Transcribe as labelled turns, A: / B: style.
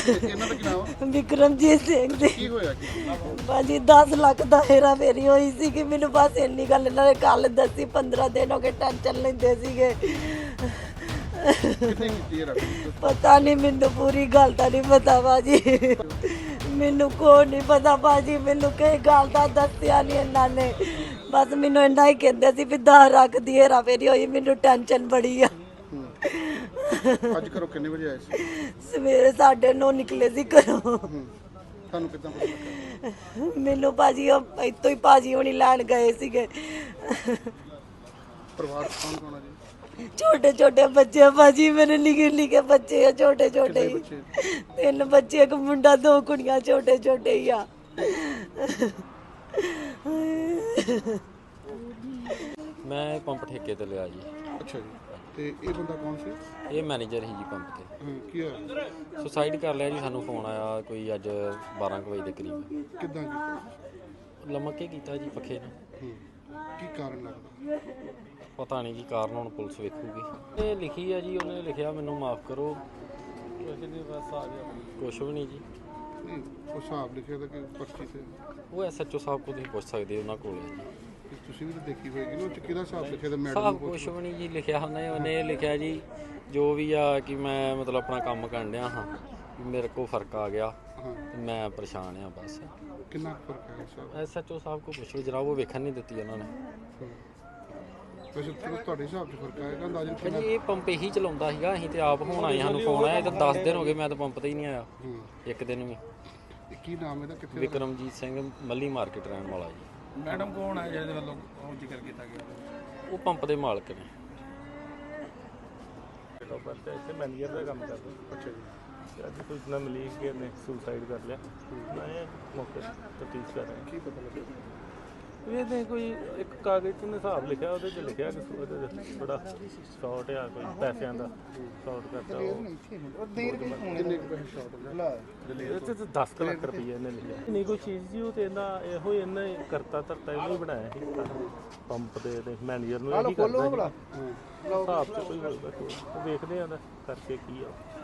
A: ਇਹਨਾਂ ਦਾ ਕੀ ਨਾਮ ਆ?
B: ਵਿਕਰਮਜੀਤ ਸਿੰਘ ਦੀ।
A: ਕੀ ਹੋਇਆ ਕੀ?
B: ਭਾਜੀ 10 ਲੱਖ ਦਾ ਹੇਰਾ ਫੇਰੀ ਹੋਈ ਸੀ ਕਿ ਮੈਨੂੰ ਬਸ ਇੰਨੀ ਗੱਲ ਇਹਨਾਂ ਨੇ ਕੱਲ ਦੱਸੀ। 15 ਦਿਨ ਹੋ ਗਏ ਟੈਨਸ਼ਨ ਲੈਂਦੇ ਸੀਗੇ।
A: ਕਿੰਨੇ ਕੀਤੀ ਹੈ
B: ਪਤਾ ਨਹੀਂ, ਮੈਨੂੰ ਪੂਰੀ ਗੱਲ ਤਾਂ ਨਹੀਂ ਪਤਾ ਭਾਜੀ। ਮੈਨੂੰ ਕੋਈ ਨਹੀਂ ਪਤਾ ਭਾਜੀ, ਮੈਨੂੰ ਕਈ ਗੱਲ ਦਾ ਦੱਸਿਆ ਨਹੀਂ ਇਹਨਾਂ ਨੇ। ਬਸ ਮੈਨੂੰ ਇੰਨਾ ਹੀ ਕਹਿੰਦੇ ਸੀ ਵੀ 10 ਲੱਖ ਦੀ ਹੇਰਾ ਫੇਰੀ ਹੋਈ। ਮੈਨੂੰ ਟੈਨਸ਼ਨ ਬੜੀ ਆ।
A: ਅੱਜ ਘਰੋਂ ਕਿੰਨੇ ਵਜੇ ਆਏ ਸੀ?
B: ਸਵੇਰੇ 9:30 ਨਿਕਲੇ ਸੀ ਘਰੋਂ।
A: ਤੁਹਾਨੂੰ ਕਿੱਦਾਂ ਪਤਾ ਲੱਗਾ?
B: ਮੈਨੂੰ ਭਾਜੀ ਉਹ ਇੱਥੋਂ ਹੀ ਭਾਜੀ ਹੋਣੀ ਲੈਣ ਗਏ ਸੀਗੇ।
A: ਪਰਿਵਾਰ ਕੌਣ ਕੌਣ ਆ ਜੀ?
B: ਛੋਟੇ ਛੋਟੇ ਬੱਚੇ ਆ ਭਾਜੀ, ਮੇਰੇ ਨਿੱਕੇ ਬੱਚੇ ਆ, ਛੋਟੇ ਛੋਟੇ ਹੀ।
A: ਬੱਚੇ?
B: 3 ਬੱਚੇ, 1 ਮੁੰਡਾ, 2 ਕੁੜੀਆਂ, ਛੋਟੇ ਛੋਟੇ ਹੀ ਆ।
C: ਮੈਂ ਪੰਪ ਠੇਕੇ ਤੇ ਲਿਆ ਜੀ।
A: ਅੱਛਾ ਜੀ, ਤੇ ਇਹ ਬੰਦਾ ਕੌਣ ਸੀ?
C: ਇਹ ਮੈਨੇਜਰ ਸੀ ਜੀ ਪੰਪ ਤੇ।
A: ਕੀ ਹੋਇਆ?
C: ਸੁਸਾਈਡ ਕਰ ਲਿਆ ਜੀ। ਸਾਨੂੰ ਫੋਨ ਆਇਆ ਕੋਈ ਅੱਜ 12 ਕੁ ਵਜੇ ਦੇ ਕਰੀਬ।
A: ਕਿੱਦਾਂ ਕੀਤਾ?
C: ਲਮਕ ਕੇ ਕੀਤਾ ਜੀ ਪੱਖੇ ਨਾਲ।
A: ਕੀ ਕਾਰਨ ਲੱਗਦਾ?
C: ਪਤਾ ਨਹੀਂ ਕੀ ਕਾਰਨ, ਹੁਣ ਪੁਲਿਸ ਵੇਖੂਗੀ। ਇਹ ਲਿਖੀ ਆ ਜੀ, ਉਹਨੇ ਲਿਖਿਆ ਮੈਨੂੰ ਮਾਫ ਕਰੋ। ਬਸ ਆ ਗਿਆ, ਕੁਛ ਵੀ ਨਹੀਂ ਜੀ।
A: ਨਹੀਂ, ਉਹ ਹਿਸਾਬ ਲਿਖਿਆ ਤਾਂ ਕਿ ਪਰਚੀ ਤੇ
C: ਉਹ ਐਸਐਚਓ ਸਾਹਿਬ ਕੋਲ ਤੁਸੀਂ ਪੁੱਛ ਸਕਦੇ ਹੋ, ਉਹਨਾਂ ਕੋਲ ਹੈ ਜੀ।
A: ਤੁਸੀਂ ਵੀ ਤਾਂ ਦੇਖੀ ਹੋਏਗੀ ਨਾ, ਉਹ 'ਚ ਕਿਹਦਾ ਹਿਸਾਬ ਲਿਖਿਆ ਤਾਂ ਮੈਡਮ
C: ਸਾਹਿਬ
A: ਨੂੰ
C: ਕੁਛ ਵੀ ਨਹੀਂ ਜੀ ਲਿਖਿਆ। ਉਹਨੇ ਇਹ ਲਿਖਿਆ ਜੀ ਜੋ ਵੀ ਆ ਕਿ ਮੈਂ ਮਤਲਬ ਆਪਣਾ ਕੰਮ ਕਰਨ ਡਿਆ ਹਾਂ, ਮੇਰੇ ਕੋਲ ਫਰਕ ਆ ਗਿਆ ਤੇ ਮੈਂ ਪਰੇਸ਼ਾਨ ਆ ਬਸ।
A: ਕਿੰਨਾ ਫਰਕ ਹੈ ਸਾਹਿਬ?
C: ਐਸਐਚਓ ਸਾਹਿਬ ਕੋਲ ਪੁੱਛੋ ਜਰਾ, ਉਹ ਵੇਖਣ ਨਹੀਂ ਦਿੱਤੀ ਉਹਨਾਂ ਨੇ।
A: ਵੈਸੇ ਤੁਹਾਡੇ ਹਿਸਾਬ 'ਚ ਫਰਕ ਆਏਗਾ ਅੰਦਾਜ਼ਨ
C: ਭਾਜੀ ਇਹ ਪੰਪ ਇਹੀ ਚਲਾਉਂਦਾ ਸੀਗਾ। ਅਸੀਂ ਤੇ ਆਪ ਹੁਣ ਆਏ, ਸਾਨੂੰ ਫੋਨ ਆਇਆ। ਇਹ ਤਾਂ 10 ਦਿਨ ਹੋ ਗਏ, ਮੈਂ ਤਾਂ ਪੰਪ ਤੇ ਹੀ ਨਹੀਂ ਆਇਆ ਇੱਕ ਦਿਨ ਵੀ।
A: ਕੀ ਨਾਮ ਇਹਦਾ? ਕਿੱਥੇ?
C: ਵਿਕਰਮਜੀਤ ਸਿੰਘ, ਮੱਲੀ ਮਾਰਕੀਟ ਰਹਿਣ ਵਾਲਾ ਜੀ।
D: ਮੈਡਮ ਕੌਣ ਹੈ ਜਿਹਦੇ ਵੱਲੋਂ ਉਹ ਜ਼ਿਕਰ ਕੀਤਾ ਗਿਆ?
C: ਉਹ ਪੰਪ ਦੇ ਮਾਲਕ ਨੇ।
D: ਇੱਥੇ ਮੈਨੇਜਰ ਦਾ ਕੰਮ ਕਰਦਾ।
A: ਅੱਛਾ ਜੀ,
D: ਅੱਜ ਸੂਚਨਾ ਮਿਲੀ ਕਿ ਇਹਨੇ ਸੁਸਾਈਡ ਕਰ ਲਿਆ। ਮੈਂ ਮੌਕੇ ਤਫਤੀਸ਼ ਕਰ ਰਿਹਾ।
A: ਕੀ ਪਤਾ ਲੱਗਿਆ?
D: ਇਹਦੇ ਕੋਈ ਇੱਕ ਕਾਗਜ਼ 'ਤੇ ਹਿਸਾਬ ਲਿਖਿਆ, ਉਹਦੇ 'ਚ ਲਿਖਿਆ ਕਿ ਉਹਦੇ 'ਚ ਥੋੜਾ ਸ਼ਾਰਟ ਆ, ਕੋਈ ਪੈਸਿਆਂ ਦਾ ਸ਼ਾਰਟ ਕਰਤਾ।
A: ਕਿੰਨੇ ਕੁ ਪੈਸੇ ਸ਼ਾਰਟ ਹੋ ਗਏ?
D: ਇਹਦੇ 'ਚ 10 ਲੱਖ ਰੁਪਈਆ ਇਹਨੇ ਲਿਖਿਆ। ਨਹੀਂ ਕੋਈ ਚੀਜ਼ ਜੀ, ਉਹ ਤੇ ਇਹੋ ਹੀ ਇਹਨੇ ਕਰਤਾ ਧਰਤਾ ਇਹਨੂੰ ਹੀ ਬਣਾਇਆ ਸੀ ਪੰਪ ਦੇ ਮੈਨੇਜਰ ਨੂੰ। ਇਹੀ ਕਰਦਾ ਹਿਸਾਬ 'ਚ ਕੋਈ ਹੋਊਗਾ, ਵੇਖਦੇ ਆ ਦਾ ਕਰਕੇ ਕੀ ਆ।